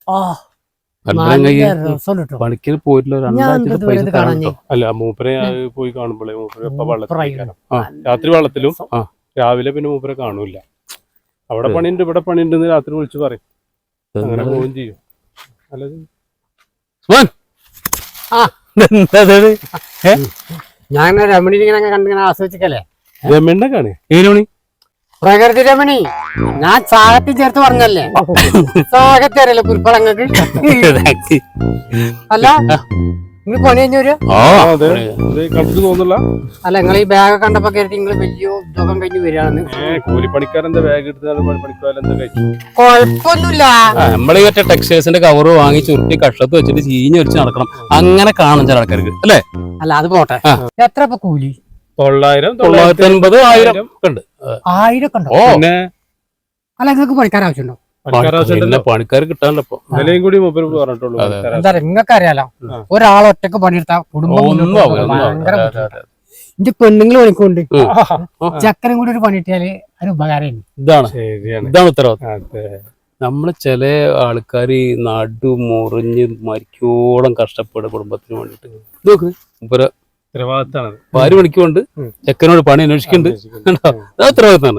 പണിക്കിന് പോയിട്ടില്ല. 2000 പൈസ അല്ല മൂപ്പരെ പോയി കാണുമ്പോഴേ മൂപ്പര് രാത്രി വെള്ളത്തിലും രാവിലെ പിന്നെ മൂപ്പരെ കാണൂല. അവിടെ പണിയുണ്ട് ഇവിടെ പണിയുണ്ട് രാത്രി വിളിച്ചു പറയും. അങ്ങനെ പോവുകയും ചെയ്യും. ഞാൻ രമണി ഇങ്ങനെ കണ്ടിങ്ങനെ ആസ്വദിക്കല്ലേ? രമണിനെ കാണേ? ഏത് മണി? പ്രകൃതി രമണി. ഞാൻ സാഹത്തിൽ ചേർത്ത് പറഞ്ഞല്ലേ? സാഹത്തി അറിയല്ലോ കുരുപ്പളങ്ങൾക്ക്. അല്ല നിങ്ങൾ പണി കഴിഞ്ഞ തോന്നില്ല. അല്ല നിങ്ങൾ ഈ ബാഗ് കണ്ടപ്പോ കരുതി നിങ്ങൾ വലിയ ഉദ്യോഗം കഴിഞ്ഞ് വരികയാണെന്ന്. കൂലിപ്പണിക്കാരെന്താ ബാഗ് എടുത്ത് കൊഴപ്പൊന്നുമില്ല. നമ്മളീ മറ്റേ ടെക്സ്റ്റൈൽസിന്റെ കവറ് വാങ്ങി ചുരുട്ടി കഷത്ത് വെച്ചിട്ട് ചീഞ്ഞ് വെച്ച് നടക്കണം. അങ്ങനെ കാണും ചില ആൾക്കാർക്ക് അല്ലേ? അല്ല അത് പോട്ടെ. എത്ര ഇപ്പൊ കൂലി? 900, 950, 1000 ഉണ്ട്. 1000 ഒക്കെ ഉണ്ടോ? അല്ല നിങ്ങൾക്ക് പണിക്കാർ ആവശ്യമുണ്ടോ? പണിക്കാർ കിട്ടാനല്ലോ ഇപ്പൊ. വിലയും കൂടി പറഞ്ഞിട്ടുള്ളൂ. എന്താ നിങ്ങൾക്ക് അറിയാലോ, ഒരാളൊറ്റക്ക് പണിയെടുത്താ കുടുംബം ഭയങ്കര. എന്റെ പെണ്ണുങ്ങൾ പണിക്കൊണ്ട് ചക്കരം കൂടി ഒരു പണിയിട്ടാല് ഒരു ഉപകാരം. ഇതാണ് ഉത്തരവാദിത്വം. നമ്മള് ചില ആൾക്കാര് നടു മുറിഞ്ഞ് മരിക്കോളം കഷ്ടപ്പെടും കുടുംബത്തിന് വേണ്ടിട്ട്. നോക്ക് ഇപ്പൊ ഭാര്യ പണിക്കുകൊണ്ട് ചെക്കനോട് പണി അന്വേഷിക്കുന്നുണ്ട്. ഉത്തരവാദിത്തമാണ്.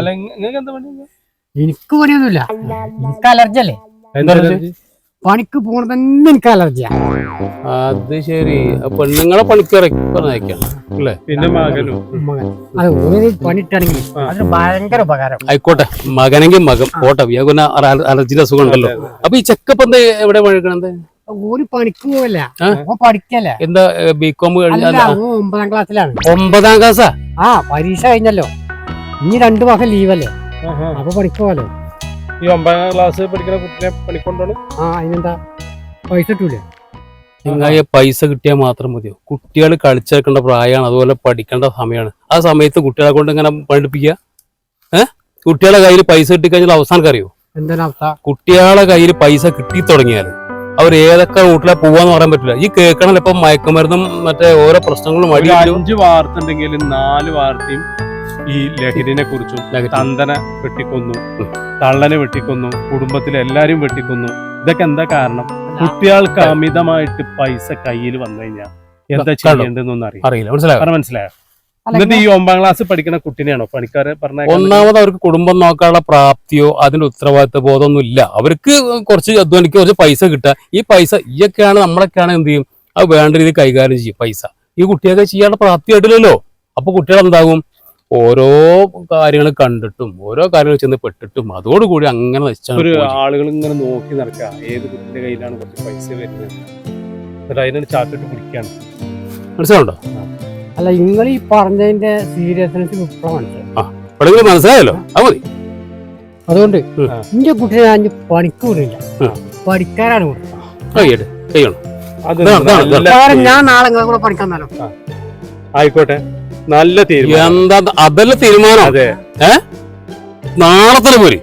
എനിക്ക് പണിയൊന്നുമില്ല. എനിക്ക് അലർജി അല്ലേ? പണിക്ക് പോണ തന്നെ എനിക്ക് അലർജിയാ. അത് ശരി. പെണ്ണുങ്ങളെ പണിക്കിറക്കി പറഞ്ഞേക്കാം അല്ലേ? പിന്നെ മകനും അത് പണിട്ടാണെങ്കിൽ അതിന് ഭയങ്കര ഉപകാരം. ആയിക്കോട്ടെ, മകനെങ്കിൽ മകൻ പോട്ടെ. അലർജിയുടെ അസുഖം ഉണ്ടല്ലോ. അപ്പൊ ഈ ചെക്കപ്പ് എന്താ എവിടെ പണിക്കണത്? ഒരു പണിക്ക് പോവല്ല, പഠിക്കല്ലേ. എന്താ ബികോം കഴിഞ്ഞാൽ 9ാം ക്ലാസ്സിലാണ്. 9ാം ക്ലാസ്സാ? ആ, പരീക്ഷ കഴിഞ്ഞല്ലോ. ഇനി 2 മാസം ലീവല്ലേ, അപ്പൊ പഠിക്കുമല്ലോ. ഈ 9ാം ക്ലാസ് പഠിക്കുന്ന കുട്ടിനെ പണിക്കൊണ്ടാണ്. അതിനെന്താ പൈസ കിട്ടൂലേ? നിങ്ങളെ പൈസ കിട്ടിയാൽ മാത്രം മതിയോ? കുട്ടികൾ കളിച്ചേക്കേണ്ട പ്രായമാണ്, അതുപോലെ പഠിക്കേണ്ട സമയമാണ്. ആ സമയത്ത് കുട്ടികളെ കൊണ്ട് ഇങ്ങനെ പഠിപ്പിക്കുക. കുട്ടികളെ കയ്യിൽ പൈസ കിട്ടിക്കഴിഞ്ഞാൽ അവസാനം അറിയോ എന്താണ് അവസ്ഥ? കുട്ടികളെ കയ്യിൽ പൈസ കിട്ടി തുടങ്ങിയാൽ അവർ ഏതൊക്കെ റൂട്ടിലെ പോവാന്ന് പറയാൻ പറ്റില്ല. ഈ കേൾക്കണല്ലോ ഇപ്പൊ മയക്കുമരുന്നും മറ്റേ ഓരോ പ്രശ്നങ്ങളും. 5 വാർത്ത ഉണ്ടെങ്കിൽ 4 വാർത്തയും ഈ ലഹരിനെ കുറിച്ചും. തന്തനെ വെട്ടിക്കൊന്നു, തള്ളനെ വെട്ടിക്കൊന്നു, കുടുംബത്തിലെ എല്ലാരും വെട്ടിക്കൊന്നു. ഇതൊക്കെ എന്താ കാരണം? കുട്ടികൾക്ക് അമിതമായിട്ട് പൈസ കയ്യിൽ വന്നു കഴിഞ്ഞാൽ എന്താ ചെയ്യേണ്ടതെന്നൊന്നും അറിയില്ല. മനസ്സിലായോ? എന്നിട്ട് ഈ 9ാം ക്ലാസ് പഠിക്കുന്ന കുട്ടിനെയാണോ പണിക്കാരെ പറഞ്ഞ? ഒന്നാമത് അവർക്ക് കുടുംബം നോക്കാനുള്ള പ്രാപ്തിയോ അതിന്റെ ഉത്തരവാദിത്വ ബോധമൊന്നും ഇല്ല. അവർക്ക് കുറച്ച് അധ്വാനിക്കുക, കുറച്ച് പൈസ കിട്ടുക. ഈ പൈസ ഈയൊക്കെയാണ് നമ്മളൊക്കെയാണ് എന്ത് ചെയ്യും, അത് വേണ്ട രീതിയിൽ കൈകാര്യം ചെയ്യും. പൈസ ഈ കുട്ടിയൊക്കെ ചെയ്യാനുള്ള പ്രാപ്തി ആയിട്ടില്ലല്ലോ. അപ്പൊ കുട്ടികൾ എന്താകും, ഓരോ കാര്യങ്ങൾ കണ്ടിട്ടും ഓരോ കാര്യങ്ങൾ ചെന്ന് പെട്ടിട്ടും അതോടുകൂടി അങ്ങനെ ഒരു ആളുകൾ ഇങ്ങനെ നോക്കി നടക്കുക. ഏത് കുട്ടിന്റെ കയ്യിലാണ് കുറച്ച് പൈസ വരുന്നത്, എന്നിട്ട് അതിനാണ് ചാക്കിട്ട് പിടിക്കാണ്. മനസ്സിലുണ്ടോ? അല്ല, നിങ്ങൾ ഈ പറഞ്ഞതിന്റെ സീരിയസ്നെസ് മനസ്സിലായല്ലോ. അത് മതി. അതുകൊണ്ട് എന്റെ കുട്ടിയെ ഞാൻ പണിക്ക് വിടില്ല, പഠിക്കാനാണ് കൊടുക്കുന്നത്. ഞാൻ നാളെ നിങ്ങളെ കൂടെ പഠിക്കാന്നല്ലോ. ആയിക്കോട്ടെ, നല്ല തീരുമാനം. എന്താ അതല്ല തീരുമാനം? അതെ. നാളെ തന്നെ പോരി.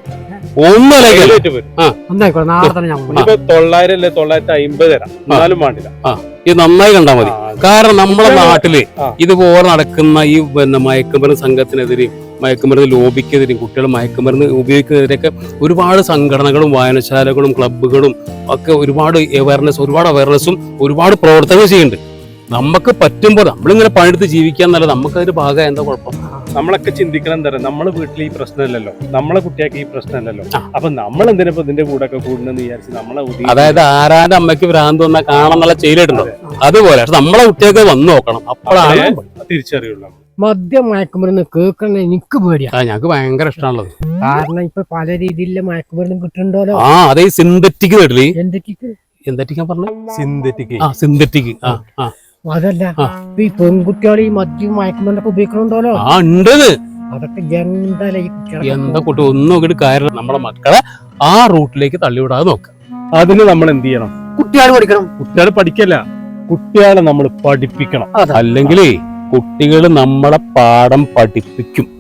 900 അല്ലേ 950 തരാം, എന്നാലും വേണ്ടില്ല. ഇത് നന്നായി കണ്ടാ മതി. കാരണം നമ്മുടെ നാട്ടില് ഇതുപോലെ നടക്കുന്ന ഈ മയക്കുമരുന്ന് സംഘത്തിനെതിരെയും മയക്കുമരുന്ന് ലോബിക്കെതിരെയും കുട്ടികൾ മയക്കുമരുന്ന് ഉപയോഗിക്കുന്നതിനെതിരെയൊക്കെ ഒരുപാട് സംഘടനകളും വായനശാലകളും ക്ലബ്ബുകളും ഒക്കെ ഒരുപാട് അവയർനെസ്സും ഒരുപാട് പ്രവർത്തനങ്ങൾ ചെയ്യുന്നുണ്ട്. നമുക്ക് പറ്റുമ്പോൾ നമ്മളിങ്ങനെ പണിയെടുത്ത് ജീവിക്കാന്നല്ല, നമുക്കതിന് ഭാഗം എന്താ കുഴപ്പം? നമ്മളൊക്കെ ചിന്തിക്കണം എന്താ പറയുക, നമ്മളെ വീട്ടിൽ ഈ പ്രശ്നമല്ലല്ലോ, നമ്മളെ കുട്ടിയാൾക്ക് ഈ പ്രശ്നമല്ലല്ലോ. അപ്പൊ നമ്മൾ എന്തിനാ ഇതിന്റെ കൂടെ ഒക്കെ കൂടുന്നെന്ന് വിചാരിച്ച് നമ്മളെ, അതായത് ആരാന്റെ അമ്മയ്ക്ക് ഭ്രാന്ത് വന്നാൽ കാണാന്നുള്ള ചെയ്തിട്ടുണ്ടോ? അതുപോലെ നമ്മളെ കുട്ടിയൊക്കെ വന്നു നോക്കണം, അപ്പോഴാണ് തിരിച്ചറിയുള്ളൂ. മദ്യം മയക്കുമരുന്ന് കേൾക്കണ എനിക്ക് പേടിയാ. ഞങ്ങൾക്ക് ഭയങ്കര ഇഷ്ടമാണുള്ളത്. കാരണം ഇപ്പൊ പല രീതിയിലുള്ള മയക്കുമരുന്ന് കിട്ടുന്നുണ്ടല്ലോ. അതെ, സിന്തറ്റിക് കേട്ടില്ലേ? എന്തൊക്കെയാ പറഞ്ഞ? സിന്തറ്റിക്. അതല്ല, ഈ പെൺകുട്ടികൾ ഈ മദ്യം മയക്കുമരുന്നൊക്കെ ഉപയോഗിക്കണുണ്ടല്ലോ. അതൊക്കെ എന്താ കുട്ടി ഒന്നും നോക്കിയിട്ട് കാര്യം. നമ്മുടെ മക്കളെ ആ റൂട്ടിലേക്ക് തള്ളിവിടാതെ നോക്കാം. അതിന് നമ്മൾ എന്ത് ചെയ്യണം? കുട്ടികൾ പഠിക്കണം. കുട്ടികൾ പഠിക്കല്ല, കുട്ടികളെ നമ്മൾ പഠിപ്പിക്കണം. അല്ലെങ്കിൽ കുട്ടികൾ നമ്മളെ പാഠം പഠിപ്പിക്കും.